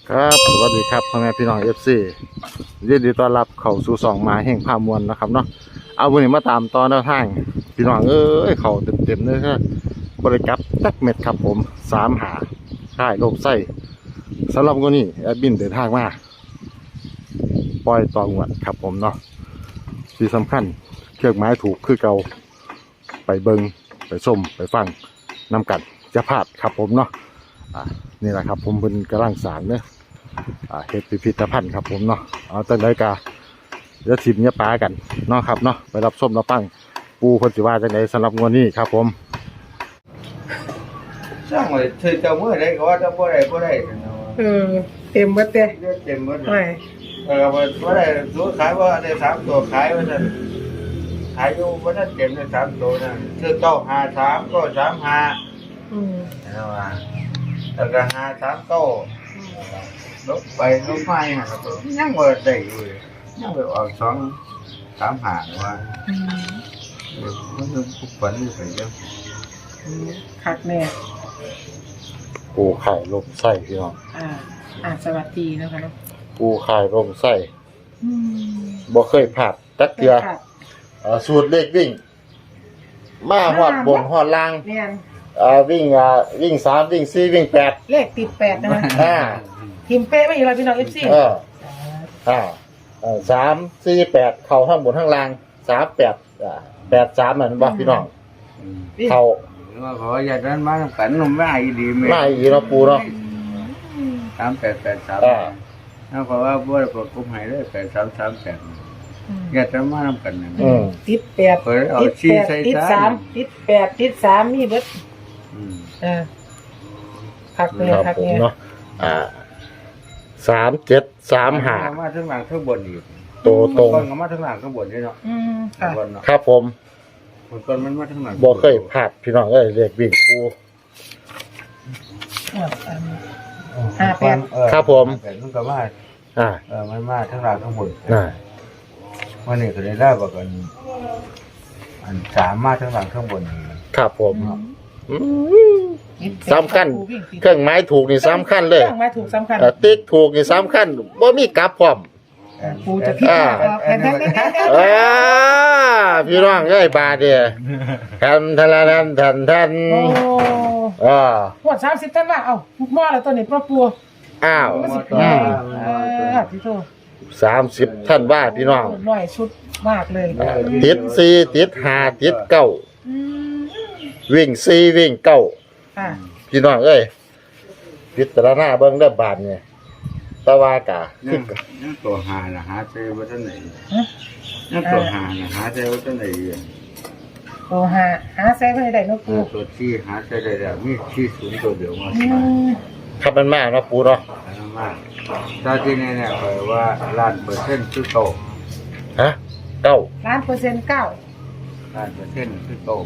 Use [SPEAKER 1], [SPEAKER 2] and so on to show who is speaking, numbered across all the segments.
[SPEAKER 1] ครับสวัสดีครับพ่อแม่พี่น้องFCยินดีต้อนรับเข้าสู่สองมาแห่งภาพมวลนะครับเนาะเอาวันนี้มาตามตอนแนวทางพี่น้องเข้าเต็มเลยครับบริกรับตักเม็ดครับผม3 หาค่ายโลกไส้สำหรับวันนี้แอดมินเดินทางมาปล่อยตองวดครับผมเนาะที่สำคัญเครื่องไม้ถูกคือเก่าไปเบิงไปส้มไปฟังนำกันจะพลาดครับผมเนาะนี่แหละครับผมเป็นกำลังสารเนี่ยเฮ็ดพิพิธภัณฑ์ครับผมเนาะเอาตั้งแต่กาเดี๋ยวทีมเนี่ยปลากันเนาะครับเนาะไปรับส้มรับฟังปูเพิ่นสิว่าจังได๋สำหรับงวดนี้ครับผม
[SPEAKER 2] สร้างไว้ถือเจ้ามือได้ก็ว่าจะบ่ได้
[SPEAKER 3] เต็มเบิดเด้
[SPEAKER 2] เต็มหมด
[SPEAKER 3] ไม่
[SPEAKER 2] บ่ได้ซื้อขายว่าได้3ตัวขายว่าซั่นขายอยู่บ่ทันเต็มได้3ตัวนั่นซื้อ953ก็35เอาว่าแล้วก็539ลบไปลบมาอย่างนั้นก็ยังบ่ได้อยู่ยังไปออก235ว่ามันทุกวันนี่ไปเยอะ
[SPEAKER 3] คักแน่
[SPEAKER 1] ปูไข่ลมไส้พี่น้อง
[SPEAKER 3] สวัสดีนะคะเนาะ
[SPEAKER 1] ปูไข่ลมไส้บ่เคยพลาดจักเทื่อสูตรเลขวิ่งมาฮอดบนฮอดล่าง
[SPEAKER 3] แม่น
[SPEAKER 1] วิ่ง3วิ่ง4วิ่ง8
[SPEAKER 3] เลขติด8นะคะทีมเป๊ะไม่อีกแล้วพี่น้อง FC
[SPEAKER 1] 3 4 8เข้าทั้งบนทั้งล่าง3 8 8 3มันบ่พี่น้องเข้า
[SPEAKER 2] ว่าขออย่าดันมากันนมไม่ดี
[SPEAKER 1] ไม่อีเนาะปูเนาะ
[SPEAKER 2] 3883แล้วก็ว่าบ่ได้ประกบให้เลย8338อย่าดันมากันนั่น
[SPEAKER 3] ติด8ติด3ติด8ติด3มีเบิดคักเลยคักเนี่ย
[SPEAKER 1] เนาะ3 7 3 5
[SPEAKER 2] มาทั้งหลังทั้งบนอีก
[SPEAKER 1] โตตรง
[SPEAKER 2] มาทั้งหลังทั้งบนนี่เนาะ
[SPEAKER 1] ครับผม
[SPEAKER 2] มันมาทั้งหลัง
[SPEAKER 1] บ่เคยพลาดพี่น้องเลขวิ่งปู
[SPEAKER 3] 58
[SPEAKER 1] ครับผม
[SPEAKER 2] มันก็ว่ามันมาทั้งหลังทั้งบนวันนี้ก็ได้บอกกันอัน3มาทั้งหลังทั้งบน
[SPEAKER 1] ครับผมสำคัญเครื่องไม้ถูกนี่สำคัญเลย
[SPEAKER 3] เครื่องไม้ถูกสำคัญ
[SPEAKER 1] ติ๊กถูกนี่สำคัญบ่มีกลับพร้อม
[SPEAKER 3] ปูจะพิจารณา
[SPEAKER 1] พี่น้องบาดเนี่ยทัน
[SPEAKER 3] หัว30ท่านว่าหม้อแล้วตัวนี้ปูพี่โต
[SPEAKER 1] 30ท่านว่าพี่น้อง
[SPEAKER 3] น้อยชุดมากเลย
[SPEAKER 1] ติด4ติด5ติด9วิ่ง4วิ่ง9พี่น้องพิจารณาเบิ่งเด้อบาดเนี่ยตะวากะ
[SPEAKER 2] นั่นตัวหาน่ะหาเจอบ่ทันไหนนั่นตัวหาน่ะหาเจอบ่ทันไหน
[SPEAKER 3] ตัวหาใส่บ่ได้เนาะปู
[SPEAKER 2] ตัวที่หาใส่ได้แล้วมีที่สูงตัวเดียวมา
[SPEAKER 1] ครับมันมากเนาะปูเนาะ
[SPEAKER 2] มากตอนที่นี่เนี่ยว่า1,000,000%คือโต
[SPEAKER 1] ฮะ9%
[SPEAKER 3] 1,000,000%
[SPEAKER 2] 1,000,000%คือโต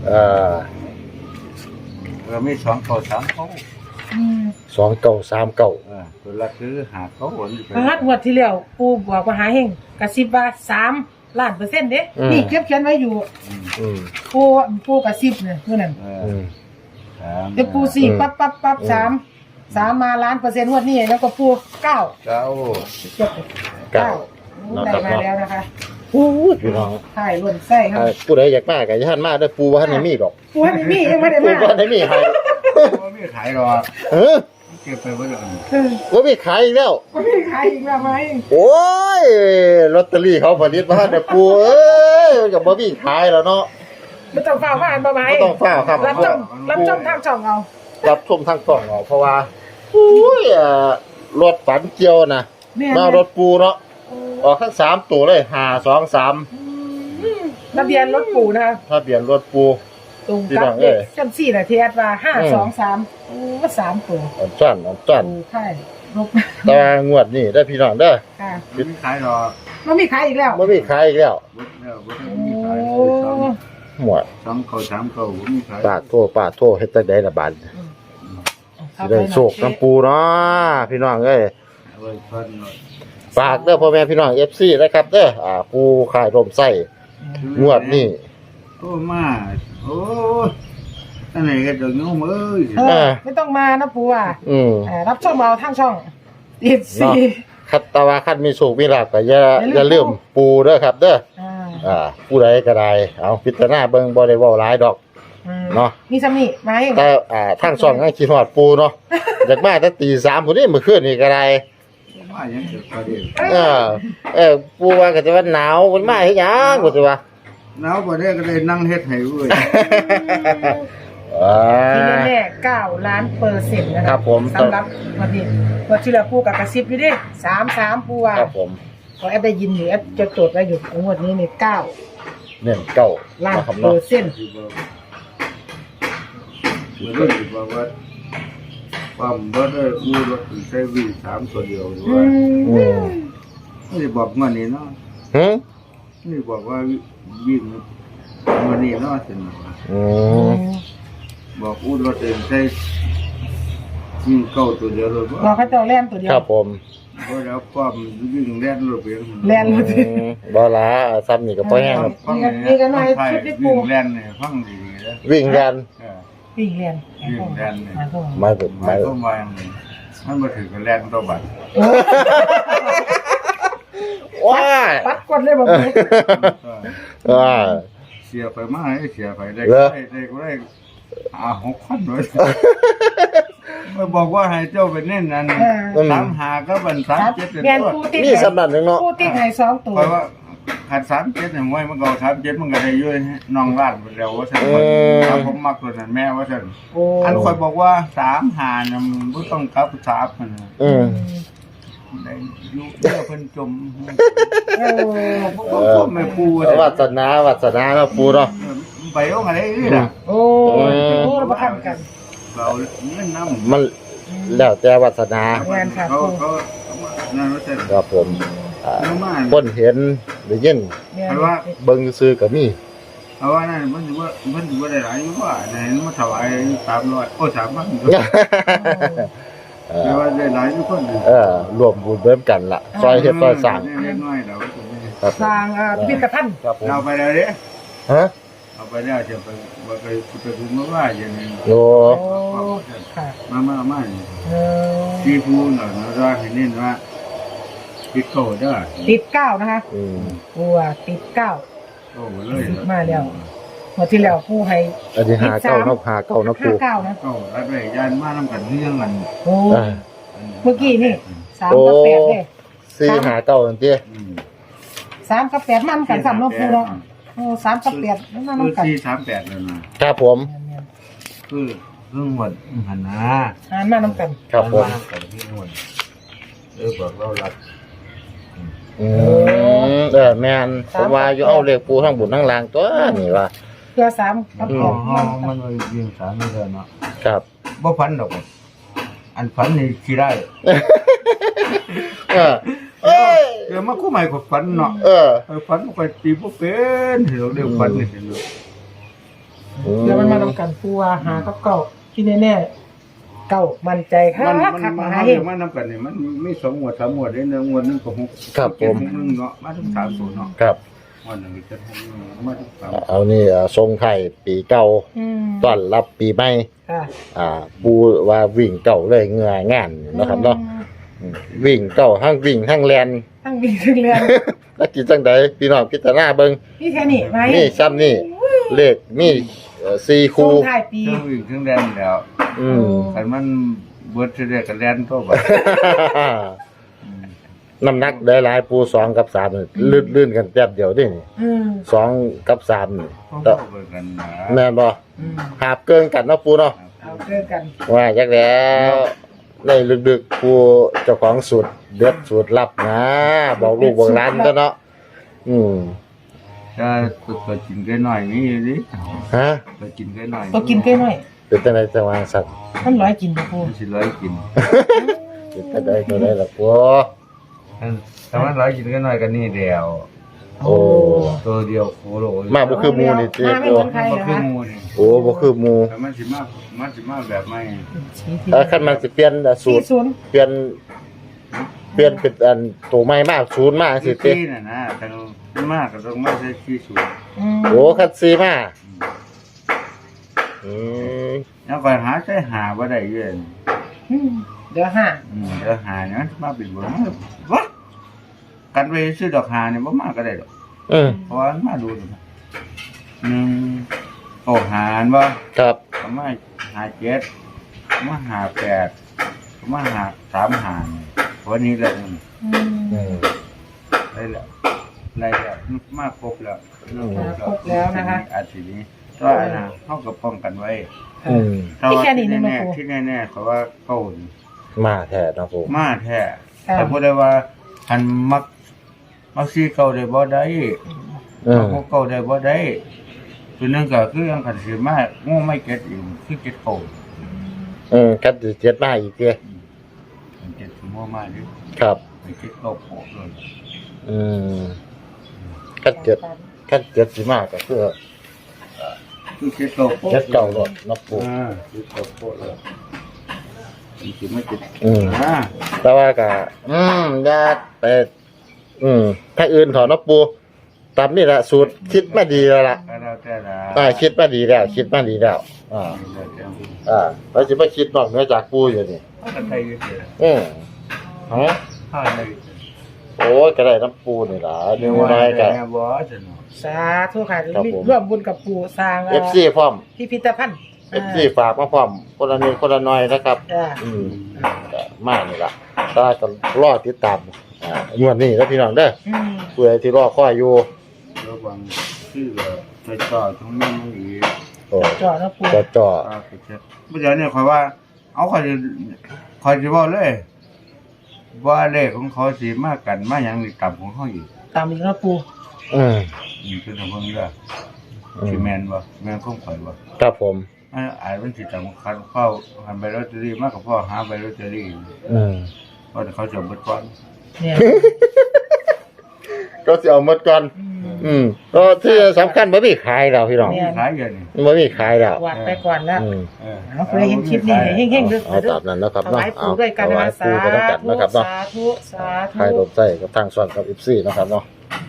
[SPEAKER 2] เรามี2โต3โต
[SPEAKER 1] 2 9 3 9
[SPEAKER 2] ตัวละคือหาเขาหวน
[SPEAKER 3] งวดที่แล้วปูบอกว่าหาเฮงกระซิบว่า3,000,000%เด้นี่เขียนไว้อยู่ปูกระซิบเนี่ยมื้อนั้นเดี๋ยวปู4ปั๊บ3มา1,000,000%งวดนี้แล้วก็ปู9ได้มาแล้วนะคะ
[SPEAKER 1] พี่น้อง
[SPEAKER 3] ใช่ล้นไส้ครับ
[SPEAKER 1] ผู้ใดอยากมาก็อย่าหันมาเด้อปูบ่ทันได้มีดอก
[SPEAKER 3] ปูบ่ทันได้มียังไม่ได้มา
[SPEAKER 1] ปูบ่ทันได้มีให้
[SPEAKER 2] บ่มีขายหรอกเก็บไปบ่ได้
[SPEAKER 1] บ่มีขายอีกแล้ว
[SPEAKER 3] บ่มีขายอีกแล้วมั้ย
[SPEAKER 1] โอ้ยลอตเตอรี่เขาผลิตมาให้ปูมันก็บ่มีขายแล้วเนาะ
[SPEAKER 3] บ่ต้องฟ้าวมาบ่ไหม
[SPEAKER 1] บ่ต้องฟ้าวครับ
[SPEAKER 3] รับชมทางช่องเอา
[SPEAKER 1] รับชมทางช่องเอาเพราะว่ารถฝันเกี่ยวนะมารถปูเนาะออกทั้ง3ตัวเลย523
[SPEAKER 3] ทะเบียนรถปูนะคะ
[SPEAKER 1] ทะเบียนรถปู
[SPEAKER 3] ตรงกับเลขจังซี่น่ะที่แอดว่า523ว่า3ตัว
[SPEAKER 1] จั่น
[SPEAKER 3] ใช่ลบ
[SPEAKER 1] ตางวดนี้ได้พี่น้องเด้อ
[SPEAKER 3] ค่ะ
[SPEAKER 2] บ่มีขายหรอก
[SPEAKER 3] บ่มีขายอีกแล้ว
[SPEAKER 1] บ่มีขายอีกแล้วหมด
[SPEAKER 2] 2เขา3เขาบ่มีขาย
[SPEAKER 1] ปาดโทเฮ็ดจังได๋ล่ะบาดสิได้โชคน้ำปูเนาะพี่น้องฝากเด้อพ่อแม่พี่น้อง FC นะครับเด้อปูขายลมไส้งวดนี้
[SPEAKER 2] มาโอ้อันไหนก็จะโยม
[SPEAKER 3] ไม่ต้องมานะปูรับช่องเอาทางช่องติดสี่
[SPEAKER 1] คัดตาวาคัดมีโชคมีลาภก็อย่าลืมปูเด้อครับเด้อ
[SPEAKER 3] อ่า
[SPEAKER 1] ผู้ใดก็ได้เอาพิจารณาเบิ่งบ่ได้เว้าหลายดอก เนาะ
[SPEAKER 3] มีซ้ำนี่มาให้
[SPEAKER 1] แต่ทางช่องยังคิดฮอดปูเนาะ อยากมาแต่ตี3พุ่นนี่มื้อคืนนี่ก็ได้
[SPEAKER 2] ว่ายังเกิดประเด็น
[SPEAKER 1] ปูว่าก็จะว่าหนาวมันมาเฮ็ดหยังบ่สิว่า
[SPEAKER 2] หนาวประเด็นก็เลยนั่งเฮ็ดให้เว้ย
[SPEAKER 3] ที่แน่ๆ9,000,000%นะ
[SPEAKER 1] ครับผม
[SPEAKER 3] สำหรับวันนี้วันที่แล้วปูกับกระซิบอยู่ดิ33ปูว่า
[SPEAKER 1] ครับผม
[SPEAKER 3] พอแอปได้ยินอยู่แอปจะจดไว้อยู่งวดนี้นี่9
[SPEAKER 1] เน้นเก้า
[SPEAKER 3] ล้าน
[SPEAKER 1] นะครับ
[SPEAKER 3] เปอ
[SPEAKER 1] เนาะ
[SPEAKER 3] ร์เซ็นต์
[SPEAKER 2] ที่บอกที่บอกว่าปั๊มบ่ได้อู้รถใช้วิ่ง3ตัวเดียวด้
[SPEAKER 3] อื
[SPEAKER 2] วย
[SPEAKER 3] ม
[SPEAKER 2] ไม่ได้บอกว่านี่เนาะ
[SPEAKER 1] หึ
[SPEAKER 2] นี่บอกว่าวิ่งวันนี้เนาะสินะ
[SPEAKER 1] อืม
[SPEAKER 2] บอกอู้รถเองใช้วิ่งเข้าตัวเดียวเลย
[SPEAKER 3] บอกเขาเจ้าแล่นตัวเดียว
[SPEAKER 1] ครับผม
[SPEAKER 2] บ่แล้วปั๊มวิ่งแล่นรถเพียง
[SPEAKER 3] แล่นรถ
[SPEAKER 1] บ่ล่ะซ้ำนี่ก็บ่แห้งครับ
[SPEAKER 3] นี่ก็หน่อยชุดที่ปู
[SPEAKER 2] วิ่งแล่นเนี่ยฟังดีๆนะ
[SPEAKER 1] วิ่งกัน
[SPEAKER 3] วิ่งแล่น
[SPEAKER 2] วิ่งแล่นเนี่ย
[SPEAKER 1] มาถึง
[SPEAKER 2] หมายความว่าอย่างนี้มันมาถึงกับแล่นตัวบัตร
[SPEAKER 1] ว้า
[SPEAKER 3] ปัดกดเลยบอกเลย
[SPEAKER 1] ว้า
[SPEAKER 2] เสียไปมากให้เสียไปได้
[SPEAKER 1] เหรอ
[SPEAKER 2] ได้ก็ได้6,000เลยมาบอกว่าให้เจ้าไปเน้นนั่น35ก็บัน37
[SPEAKER 3] แมนปูติด
[SPEAKER 1] นี่สำนักหนึงเนาะ
[SPEAKER 3] ปูติดให้2ตัว
[SPEAKER 2] เพราะว่าขัด37เนี่ยมวยมันก็37มันก็ได้อยู่น้องร้านไปแล้วว่าซั่นถ้าผมมักตัวนั้นแม่ว่าซั่น
[SPEAKER 3] โอ้
[SPEAKER 2] อันคอยบอกว่า35น่ะมันบ่ต้องกลับ3มัน
[SPEAKER 1] อืม
[SPEAKER 2] ได้อยู่เพื่อเพิ่นจม
[SPEAKER 3] โอ้
[SPEAKER 2] ก็ไม่ปู
[SPEAKER 1] วาสนาเนาะปูเนาะ
[SPEAKER 2] ไปเอาอะไรนี่ล่ะ
[SPEAKER 3] โอ้โหเราประคันกัน
[SPEAKER 2] เราเงินน้ำ
[SPEAKER 1] มันแล้วแต่วาสนา
[SPEAKER 2] เขานั่นว่าซั่น
[SPEAKER 1] ครับผม
[SPEAKER 2] น้ำมัน
[SPEAKER 1] คนเห็นได้ยิน
[SPEAKER 3] แม่
[SPEAKER 2] เพราะว่า
[SPEAKER 1] เบิ่งซื่อก็มี
[SPEAKER 2] เพราะว่านั่นมันถือว่าได้หลายอยู่ว่าไหนมาถวาย300โอ้3,000แต่ว่าได้หลายทุกคน
[SPEAKER 1] รวมบุญเบิ่มกันล่ะซอยเฮ็ดซอยสร้าง
[SPEAKER 2] เล็กน้อยเรา
[SPEAKER 1] ครับ
[SPEAKER 3] สร้างพิพิธภัณฑ์
[SPEAKER 1] ครับผม
[SPEAKER 2] เราไปแล้วเด้
[SPEAKER 1] ฮะ
[SPEAKER 2] เอาไปแล้วจะไปถึงเมื่อว่าอย่างนี้
[SPEAKER 1] โอ้
[SPEAKER 3] โอ้ค่ะ
[SPEAKER 2] มา
[SPEAKER 3] เออ
[SPEAKER 2] ที่พูดหน่อยนะว่าให้เน้นว่าพิโก้ได้
[SPEAKER 3] ติด9นะคะ
[SPEAKER 1] อืม
[SPEAKER 3] ปูติด9
[SPEAKER 2] โอ้เลย
[SPEAKER 3] มาแล้วเมื่อที่แล้วปูให้
[SPEAKER 1] อันนี้หาเก้าเนาะหาเก้าเนาะปู
[SPEAKER 3] 59นะ
[SPEAKER 2] ก็รับได้ยานมาทำกันเรื่องกัน
[SPEAKER 3] โอ้
[SPEAKER 1] อ่า
[SPEAKER 3] เมื่อกี้นี่3กับ8เด้
[SPEAKER 1] สี่หาเก้าจังซี่
[SPEAKER 3] 3กับ8มันกัน3เนาะปูเนาะโอ้3กับ8มัน
[SPEAKER 2] คื
[SPEAKER 3] นำ
[SPEAKER 2] อ
[SPEAKER 3] กัน
[SPEAKER 2] 438แล้วนะครับ
[SPEAKER 1] ผม
[SPEAKER 2] คือเรื่องหมดหันนะ
[SPEAKER 3] อ่านมานำกัน
[SPEAKER 1] ครับผม
[SPEAKER 2] กับพี่นวลบอกเรารัก
[SPEAKER 1] อืมแม่นผมว่าอยู่เอาเลขปูทั้งบุญทั้งลางตัวนี่ว่า
[SPEAKER 3] เพื่อ3กับ
[SPEAKER 2] อ๋อ
[SPEAKER 3] 8
[SPEAKER 2] มันยิงสามไม่ได้เนาะ
[SPEAKER 1] ครับ
[SPEAKER 2] บ่พันดอกอันพันนี่ขี้ได้
[SPEAKER 1] เออเอ้ย
[SPEAKER 2] เดี๋ยวมาคู่ใหม่กับพันเนาะ
[SPEAKER 1] เออ
[SPEAKER 2] พันมันก็ตีบ่เป็นเดี๋ยวเดี๋ยวพันนี่เดี๋ยว
[SPEAKER 3] เดี๋ยวมันมานำกันปูว่าหากับเก่าที่แน่ๆเก่ามั่นใจค่ะคักมาหาเฮง
[SPEAKER 2] มันนำกันนี่มันมี2หมวด3หมวดได้1หมวดนึงก็6
[SPEAKER 1] ครับผม
[SPEAKER 2] 1เนาะมาถึง3ศูนย์เนาะ
[SPEAKER 1] ครับ
[SPEAKER 2] วันนึงจะมาถึง3
[SPEAKER 1] เอานี่ทรงไทยปีเก่า
[SPEAKER 3] อืม
[SPEAKER 1] ต้อนรับปีใหม่
[SPEAKER 3] ค่ะ
[SPEAKER 1] ปูว่าวิ่งเก่าเลยเหงื่องานนะครับเนาะวิ่งเก่าทั้งวิ่งทั้งแลน
[SPEAKER 3] ทั้งวิ่งทั้งเรียน
[SPEAKER 1] แล้วกินจังใดพี่น้องพิจารณาเบิ่ง
[SPEAKER 3] นี่แค่นี้ไหม
[SPEAKER 1] นี่ซ้ำนี่เลขมี4
[SPEAKER 3] ช่
[SPEAKER 1] คู่
[SPEAKER 3] วงท้ายปี
[SPEAKER 2] เครื่องวิ่งเครื่องแดนแล้ว
[SPEAKER 1] อืม
[SPEAKER 2] คันมันเบิดสิได้ก็แล่นตัวบัด
[SPEAKER 1] น้ำหนักได้หลายปู2กับ3นี่ลื่นๆกันแป๊บเดียวนี่
[SPEAKER 3] อืม
[SPEAKER 1] 2กับ3นี่
[SPEAKER 2] ต้องเข้าไปกันนะ
[SPEAKER 1] แม่นบ่
[SPEAKER 3] อืม
[SPEAKER 1] หาบเกินกันเนาะปูเนาะ
[SPEAKER 3] เอาเจอกัน
[SPEAKER 1] ว่าจักแล้วในลึกๆปูเจ้าของสูตรเด็ดสูตรลับนะบอกลูกบอกหลานก็เนาะอืม
[SPEAKER 2] จะตัวกินแค่หน่อยนี่อยู่ดิ
[SPEAKER 1] ฮะ
[SPEAKER 2] ตัวกินแค่หน่อย
[SPEAKER 3] ตัวกินใกล้หน่อย
[SPEAKER 1] เป็นจังไดจังหวะสัตว์
[SPEAKER 3] มันร้อยกินบ่ปู
[SPEAKER 2] มันสิร้อยกิน
[SPEAKER 1] เป็นจังไดตัวใดล่ะปู
[SPEAKER 2] ถ้ามันร้อยกินแค่หน่อยก็นี่เดียว
[SPEAKER 1] โอ้
[SPEAKER 2] ตัวเดียวโคโล
[SPEAKER 1] มาบ่คือหมู่นี่ติ
[SPEAKER 3] มาไม่
[SPEAKER 1] ปู
[SPEAKER 3] เหมือนใคร
[SPEAKER 2] ก็
[SPEAKER 3] นะ
[SPEAKER 2] คือ
[SPEAKER 3] คะ
[SPEAKER 2] หมูนี่
[SPEAKER 1] โอ้บ่คือหมู่
[SPEAKER 2] แต่มันสิมาแบบไม่
[SPEAKER 1] คันมันสิเปลี่ยนสูตร
[SPEAKER 3] 40
[SPEAKER 1] เปลี่ยนเป็นอันตัวใหม่มาศูนย์มาสิติ
[SPEAKER 2] ที่น่ะนะแต่มันมากก็ต้องมาใช้ที่สูง
[SPEAKER 3] อืม
[SPEAKER 1] โอ้คัดซีมาอืม
[SPEAKER 2] แล้วก็หาใช้หาบ่ได้เยอะ
[SPEAKER 3] อืมเดี๋ยวห้า
[SPEAKER 2] เดี๋ยวหาเนี่ยมาเป็นบนวะกันไปซื้อดอกหาเนี่ยบ่มาก็ได้ดอก เพราะว่ามันมาดูหนึ่งโอ้หารบ่
[SPEAKER 1] ครับ
[SPEAKER 2] ก็มาหาเจ็ดก็มาหาแปดก็มาหาสามหารวันนี้แหละ ได้แล้วได้แล้วมาครบแล้ว
[SPEAKER 3] ครบแล้วนะคะ
[SPEAKER 2] อาทิตย์นี้ก็นะเท่ากับป้องกันไว้
[SPEAKER 3] ที่แค่นี้นึงนะ
[SPEAKER 2] แน่
[SPEAKER 3] ครู
[SPEAKER 2] ที่แน่ๆเพราะว่าเก้านี่
[SPEAKER 1] มาแท้นะปู
[SPEAKER 2] มาแท้
[SPEAKER 3] ค่ะ
[SPEAKER 2] แต่พูดได้ว่าหันมักซีเก่าได้บ่ได้มักพวกเก่าได้บ่ได้ตัวนึงก็คือยังขันสิมางูไม่เก็ตอีกคือเก็ตเก่า
[SPEAKER 1] กัดเจ็ดมาอีกเด้
[SPEAKER 2] เก็ตคืองูมาดิ
[SPEAKER 1] ครับ
[SPEAKER 2] ไม่เก็ตเก่าโผล่เลย
[SPEAKER 1] กัดเจ็ดสิมาก็คือ
[SPEAKER 2] คือเก็ตเก่าโผล่
[SPEAKER 1] เจ็ดเก่าหลดนะปู
[SPEAKER 2] เก็ตเก่าโผล่เลยมันสิไม่เก็ต
[SPEAKER 1] แต่ว่าก็ญาติไปถ้าอื่นถอนนะปูตามนี่แหละสูตรคิดมาดีแล้วล่ะ
[SPEAKER 2] ก็แล้วแต่ละ
[SPEAKER 1] คิดมาดีแล้วคิดมาดีแล้วแล้วสิมาคิดนอกเหนือจากปูอยู่นี่
[SPEAKER 2] ก็ได้อยู่เด้อ
[SPEAKER 1] ฮะ
[SPEAKER 2] ถ้าได้อยู่
[SPEAKER 1] โอ้ยก็ได้น้ำปูนี่ล่ะเดี๋ยวน้อยกัน
[SPEAKER 2] แม่บ่จะเนาะ
[SPEAKER 3] สาธุค่ะ
[SPEAKER 1] ครับผม
[SPEAKER 3] ร่วมบุญกับปู่สร้าง
[SPEAKER 1] FC พร้อม
[SPEAKER 3] พิพิธภัณฑ์
[SPEAKER 1] FC ฝากมาพร้อมคนละนิดคนละหน่อยนะครับ ก็มานี่ล่ะถ้าก็รอติดตามงวดนี้แล้วพี่น้องเด้อเพื่อที่รอคอยอยู่
[SPEAKER 2] ระวังชื่อแบบไปต่อตรงนี้มันอีก
[SPEAKER 1] โอ้
[SPEAKER 3] จอดนะปู่
[SPEAKER 1] จ่อ
[SPEAKER 2] ไปเช็ดเมื่อเดี๋ยวเนี่ยคอยว่า เอาคอยจะบอกเลย ว่าเลขของเขาสีมากกันมาอย่างนี้ต่ำของเขาอีก
[SPEAKER 3] ตามอีกนะปู่
[SPEAKER 2] นี่คือทางเพิ่งเด้อที่แมนบ่แมนคงข่อยบ่
[SPEAKER 1] ครับผม
[SPEAKER 2] อาจเป็นสิต่ำคันเข้าหันใบลอตเตอรี่มากกว่าพ่อหาใบลอตเตอรี่เพราะเขาจะเบิดก่อน
[SPEAKER 3] เนี่ย
[SPEAKER 1] ก็สิเอาหมดก่อนก็ที่สำคัญบ่มีขายแล้วพี่น้อง
[SPEAKER 2] มีขายอย่างนี้
[SPEAKER 1] บ่มีขายแล้ว
[SPEAKER 3] วาดไปก่อนแล้ว
[SPEAKER 2] เออ
[SPEAKER 3] เอาเคยเห็นคลิปนี้เฮงๆด้วย
[SPEAKER 1] เอาตามนั้นนะครับ
[SPEAKER 3] ถ
[SPEAKER 1] เนาะ
[SPEAKER 3] วายปู่ด้วยกัน
[SPEAKER 1] ถ
[SPEAKER 3] นะ
[SPEAKER 1] วาย
[SPEAKER 3] สา
[SPEAKER 1] ปู่ไปด้วยกันนะครับเนาะ
[SPEAKER 3] ธุสาธุ
[SPEAKER 1] ขายรถใส่กับทางส่วนกับ FC นะครับเนาะ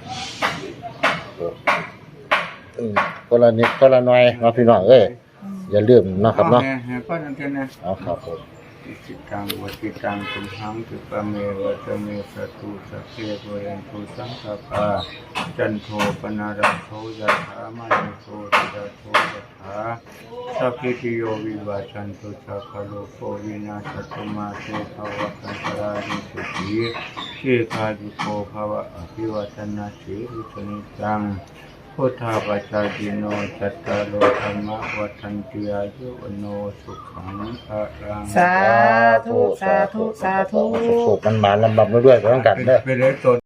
[SPEAKER 1] คนละนิดคนละหน่อยเนาะพี่น้องเอ้ยอย่าลืมนะครับเนาะ
[SPEAKER 2] ก็นั่นเองนะ
[SPEAKER 1] เอาครับผม
[SPEAKER 2] จิตตังวัติตังตุมหังตุปะเมวัตเมสตุสัพเพโวยันตุสังฆปาจันโทปนาราโทยะถามณิโสติระโทยะถาสัพพิติโยวิวาชันตุสัพพะโลกโควินาศตุมาเตภวะคันตรานิสุขีเชคาจุโกภวะอภิวัตนาสีรุสนิจังพุทธาปัจจายิโนจัตตาโลธรรมวัฏันติอายุวโนสุขังพลัง
[SPEAKER 3] สาธุสาธุสาธุ
[SPEAKER 1] สุขๆมันมาลำบากมาด้วยไปต้องกันเด้อ
[SPEAKER 2] เป็นเลยตัว